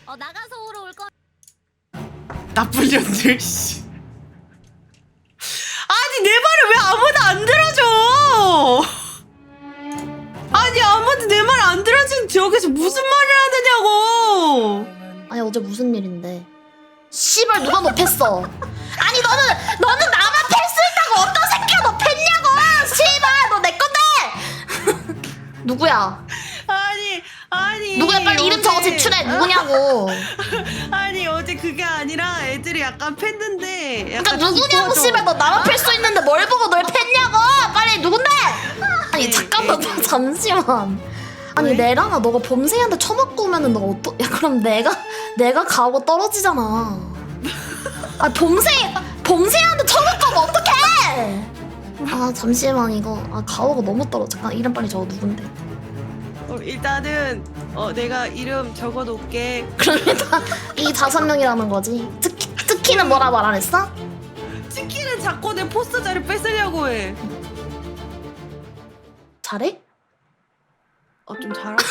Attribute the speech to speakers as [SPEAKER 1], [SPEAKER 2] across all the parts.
[SPEAKER 1] 나가서 오러 올 거.
[SPEAKER 2] 나쁜 년들 씨. 아니 내 말을 왜 아무도 안 들어줘? 아니 아무도 내 말 안 들어주는 저기서 무슨 말을 하느냐고.
[SPEAKER 3] 아니 어제 무슨 일인데? 씨발 누가 너 팼어? 아니 너는 나만 팰 수 있다고 어떤 새끼가 너 팼냐고! 씨발 너 내 건데! 누구야?
[SPEAKER 2] 아니
[SPEAKER 3] 누구야 빨리 이름 적어 제출해 누구냐고.
[SPEAKER 2] 아니 어제 그게 아니라 애들이 약간 팼는데
[SPEAKER 3] 그러니까 누구냐고 씨발 너 나만 팰 수 있는데 뭘 보고 널 팼냐고! 빨리 누군데? 아니 잠깐만 잠시만. 아니
[SPEAKER 2] 왜?
[SPEAKER 3] 내랑아 너가 범생이한테 처맞고 오면은 너가 야 그럼 내가 가고 떨어지잖아. 아 범생이한테 처맞고 오면 어떡해! 아 잠시만 이거 가오가 너무 떨어. 잠깐 이름 빨리 적어 누군데?
[SPEAKER 2] 일단은 내가 이름 적어 놓을게.
[SPEAKER 3] 그럼 일단 이 5명이라는 거지. 특히는 뭐라 말 안 했어?
[SPEAKER 2] 치킨은 자꾸 내 포스터 자리 뺏으려고 해.
[SPEAKER 3] 잘해?
[SPEAKER 2] 좀 잘하고.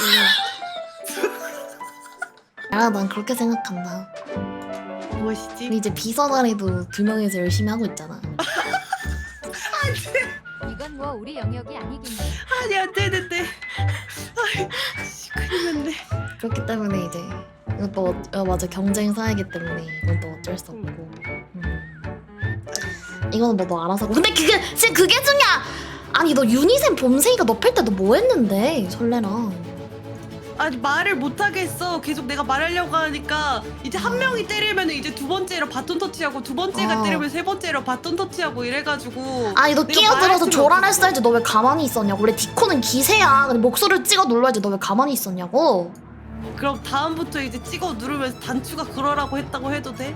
[SPEAKER 3] 야, 난 그렇게 생각한다.
[SPEAKER 2] 무엇이지?
[SPEAKER 3] 우리 이제 비서 자리도 2명이서 열심히 하고 있잖아.
[SPEAKER 1] 이건 뭐 우리 영역이 아니긴 해.
[SPEAKER 2] 아니 안 되는데. 큰일 났네.
[SPEAKER 3] 그렇기 때문에 이제 이것도 맞아 경쟁 사회이기 때문에 이건 또 어쩔 수 없고. 이거는 뭐 너 알아서 하고. 근데 지금 그게 중요야. 아니 너 유니셈 범생이가 너 팰 때 너 뭐 했는데 설레랑.
[SPEAKER 2] 아니 말을 못 하겠어. 계속 내가 말하려고 하니까 이제 한 명이 때리면 이제 두 번째로 바톤 터치하고 두 번째가 때리면 세 번째로 바톤 터치하고 이래가지고.
[SPEAKER 3] 아니 너
[SPEAKER 2] 내가
[SPEAKER 3] 끼어들어서
[SPEAKER 2] 말할 수가
[SPEAKER 3] 조란했어야지. 너 왜 가만히 있었냐고. 원래 디코는 기세야. 근데 목소리를 찍어 눌러야지. 너 왜 가만히 있었냐고.
[SPEAKER 2] 그럼 다음부터 이제 찍어 누르면서 단추가 그러라고 했다고 해도 돼?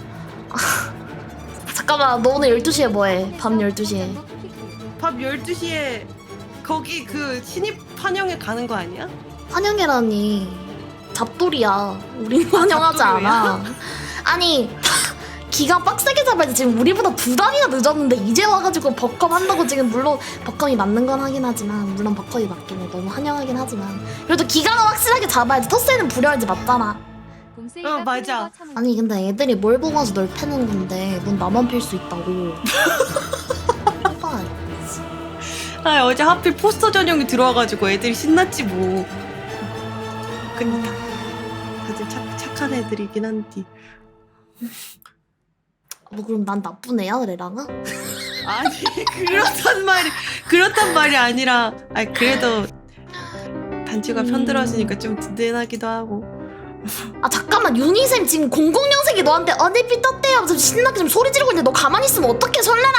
[SPEAKER 3] 잠깐만 너 오늘 12시에 뭐해? 밤 12시에.
[SPEAKER 2] 밤 12시에 거기 그 신입 환영회 가는 거 아니야?
[SPEAKER 3] 환영회라니 잡돌이야. 우린 환영하지
[SPEAKER 2] 잡돌이야?
[SPEAKER 3] 않아. 아니 기가 빡세게 잡아야지. 지금 우리보다 2달이나 늦었는데 이제 와가지고 버컴 한다고. 지금 물론 버컴이 맞는 건 하긴 하지만 물론 버컴이 맞긴 해. 너무 환영하긴 하지만 그래도 기가는 확실하게 잡아야지. 터세는 부려야지. 맞잖아.
[SPEAKER 2] 맞아.
[SPEAKER 3] 아니 근데 애들이 뭘 보고 와서 널 패는 건데 넌 나만 팰 수 있다고. 해봐.
[SPEAKER 2] 아 어제 하필 포스터 전용이 들어와가지고 애들이 신났지 뭐. 그니까 다들 착한 애들이긴 한디.
[SPEAKER 3] 뭐 그럼 난 나쁜 애야 레랑아?
[SPEAKER 2] 아니 그렇단 말이 아니라 아니 그래도 단추가 편들어지니까 좀 든든하기도 하고.
[SPEAKER 3] 아 잠깐만 유니쌤 지금 00년생이 너한테 어네피 떴대요 하면서 신나게 좀 소리 지르고 있는데 너 가만히 있으면 어떡해 설레라.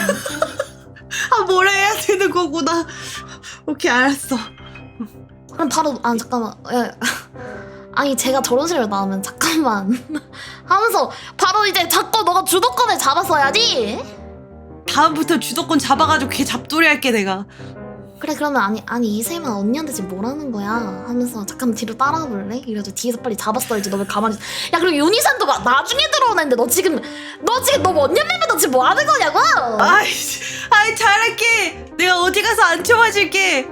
[SPEAKER 2] 아 뭐라 해야 되는 거구나. 오케이 알았어.
[SPEAKER 3] 그럼 바로 잠깐만 아니 제가 저런 식으로 나오면 잠깐만 하면서 바로 이제 자꾸 너가 주도권을 잡았어야지.
[SPEAKER 2] 다음부터 주도권 잡아가지고 걔 잡돌이 할게 내가.
[SPEAKER 3] 그래 그러면 아니 이세만 언니한테 지금 뭐라는 거야 하면서 잠깐 뒤로 따라와 볼래? 이래서 뒤에서 빨리 잡았어야지. 너 왜 가만히 있어. 야 그리고 유니산도 나중에 들어오는데 너 지금 너 원년 맴에 너 지금 뭐 하는 거냐고.
[SPEAKER 2] 아이 잘할게. 내가 어디 가서 안 쳐맞을게.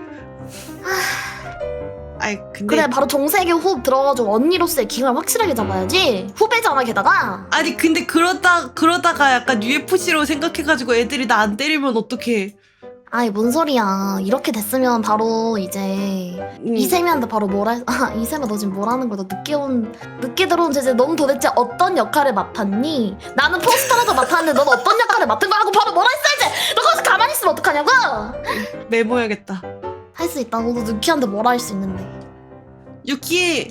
[SPEAKER 2] 아이 근데
[SPEAKER 3] 그래 바로 정세계 호흡 들어가지고 언니로서의 기강을 확실하게 잡아야지. 후배잖아 게다가.
[SPEAKER 2] 아니 근데 그러다가 약간 UFC로 생각해가지고 애들이 나 안 때리면 어떡해.
[SPEAKER 3] 아이 뭔 소리야. 이렇게 됐으면 바로 이제 이세미한테 바로 이세미 너 지금 뭐라는 거야. 너 늦게 들어온 제재 넌 도대체 어떤 역할을 맡았니? 나는 포스터라도 맡았는데 넌 어떤 역할을 맡은 거야 하고 바로 뭐라 했어야지. 너 거기서 가만히 있으면 어떡하냐고.
[SPEAKER 2] 메모해야겠다.
[SPEAKER 3] 할 수 있다. 너도 유키한테 뭐라 할 수 있는데.
[SPEAKER 2] 유키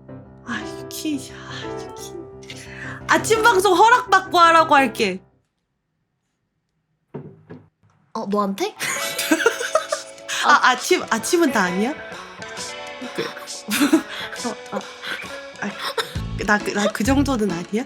[SPEAKER 2] 아침 방송 허락받고 하라고 할게.
[SPEAKER 3] 너한테?
[SPEAKER 2] 아침은 다 아니야? 나 그 정도는 아니야?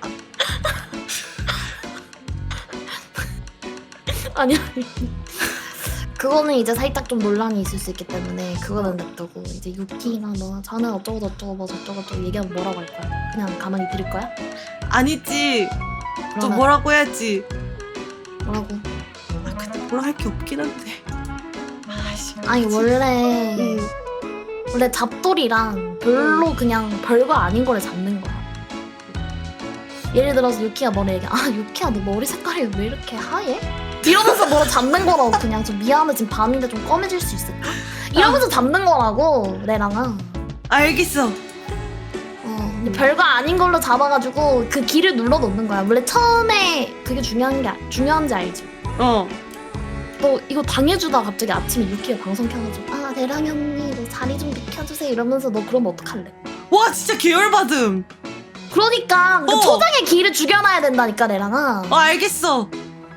[SPEAKER 3] 아니 그거는 이제 살짝 좀 논란이 있을 수 있기 때문에 그거는 냅두고 이제 유키랑 너 자네 어쩌고 뭐 저쩌고 얘기하면 뭐라고 할 거야? 그냥 가만히 들을 거야?
[SPEAKER 2] 아니지. 또
[SPEAKER 3] 그러면
[SPEAKER 2] 뭐라고 해야지.
[SPEAKER 3] 뭐라고?
[SPEAKER 2] 근데 뭐라 할 게 없긴 한데.
[SPEAKER 3] 아니 원래 원래 잡돌이랑 별로 그냥 별거 아닌 거를 잡는 거야. 예를 들어서 유키가 뭐래 얘기해. 아 유키야 너 머리 색깔이 왜 이렇게 하얘? 이러면서 뭐를 잡는 거라고. 그냥 좀 미안해 지금 밤인데 좀 검해질 수 있을까? 이러면서 잡는 거라고 내랑은.
[SPEAKER 2] 알겠어.
[SPEAKER 3] 근데 별거 아닌 걸로 잡아가지고 그 길을 눌러 놓는 거야. 원래 처음에 그게 중요한지 알지?
[SPEAKER 2] 어.
[SPEAKER 3] 너 이거 당해주다 갑자기 아침에 유키가 방송 켜가지고 아 내랑이 언니 너 자리 좀 비켜주세요 이러면서 너 그러면 어떡할래?
[SPEAKER 2] 와 진짜 계열받음.
[SPEAKER 3] 그러니까 그
[SPEAKER 2] 어.
[SPEAKER 3] 초장의 길을 죽여놔야 된다니까 내랑아.
[SPEAKER 2] 알겠어.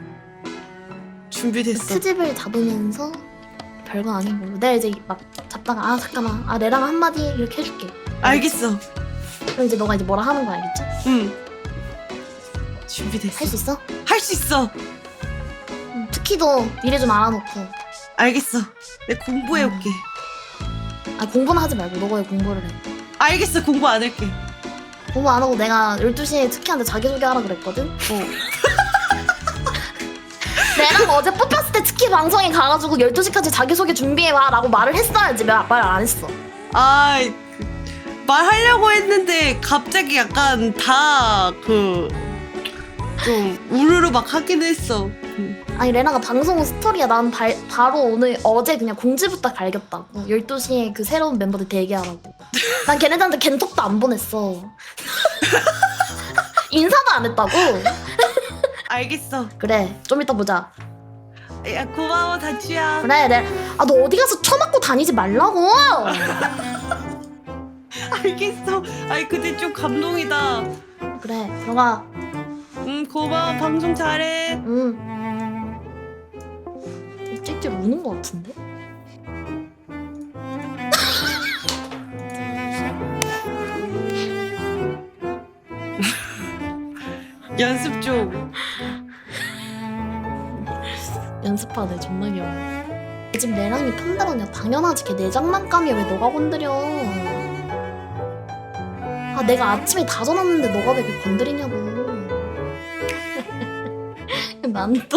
[SPEAKER 2] 준비됐어.
[SPEAKER 3] 트집을 잡으면서 별거 아닌 걸로 내가 이제 막 잡다가 아 잠깐만 아 내랑 한마디 이렇게 해줄게.
[SPEAKER 2] 알겠어.
[SPEAKER 3] 그럼 이제 너가 이제 뭐라 하는 거 알겠지?
[SPEAKER 2] 응. 준비됐어.
[SPEAKER 3] 할 수 있어?
[SPEAKER 2] 할 수 있어.
[SPEAKER 3] 특히도 미리 좀 알아놓고.
[SPEAKER 2] 알겠어. 내가 공부해올게.
[SPEAKER 3] 아 공부는 하지 말고 너가 왜 공부를 해?
[SPEAKER 2] 알겠어. 공부 안 할게.
[SPEAKER 3] 공부 안 하고 내가 12시에 특히한테 자기소개하라 그랬거든? 내랑 어제 뽑혔을 때 특히 방송에 가가지고 12시까지 자기소개 준비해와 라고 말을 했어야지. 말 안 했어.
[SPEAKER 2] 아, 말하려고 했는데 갑자기 약간 다 좀 우르르 막 하긴 했어.
[SPEAKER 3] 아니 레나가 방송 스토리야. 난 바로 어제 그냥 공지부터 갈겼다고. 12시에 그 새로운 멤버들 대기하라고. 난 걔네들한테 겐톡도 안 보냈어. 인사도 안 했다고.
[SPEAKER 2] 알겠어.
[SPEAKER 3] 그래 좀 이따 보자.
[SPEAKER 2] 야 고마워 다치야.
[SPEAKER 3] 그래 아 너 어디 가서 처맞고 다니지 말라고.
[SPEAKER 2] 알겠어. 아이 근데 좀 감동이다.
[SPEAKER 3] 그래 들어가.
[SPEAKER 2] 고마워. 방송 잘해.
[SPEAKER 3] 찔찔 우는 거 같은데?
[SPEAKER 2] 연습 좀.
[SPEAKER 3] 연습하네. 존나 귀여워. 지금 내랑이 판다로냐. 당연하지. 걔 내장난감이야. 왜 너가 건드려. 아 내가 아침에 다 전화했는데 너가 왜 이렇게 건드리냐고. 난 또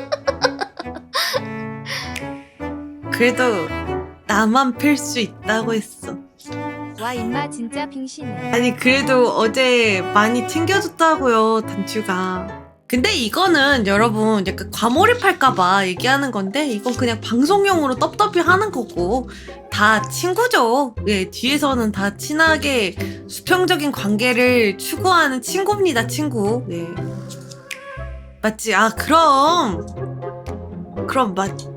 [SPEAKER 2] 그래도 나만 필 수 있다고 했어.
[SPEAKER 1] 와 임마 진짜 빙신해.
[SPEAKER 2] 아니 그래도 어제 많이 챙겨줬다고요 단추가. 근데 이거는 여러분 약간 과몰입할까봐 얘기하는 건데 이건 그냥 방송용으로 떡더비 하는 거고 다 친구죠. 예, 뒤에서는 다 친하게 수평적인 관계를 추구하는 친구입니다. 친구. 예. 맞지? 아 그럼 맞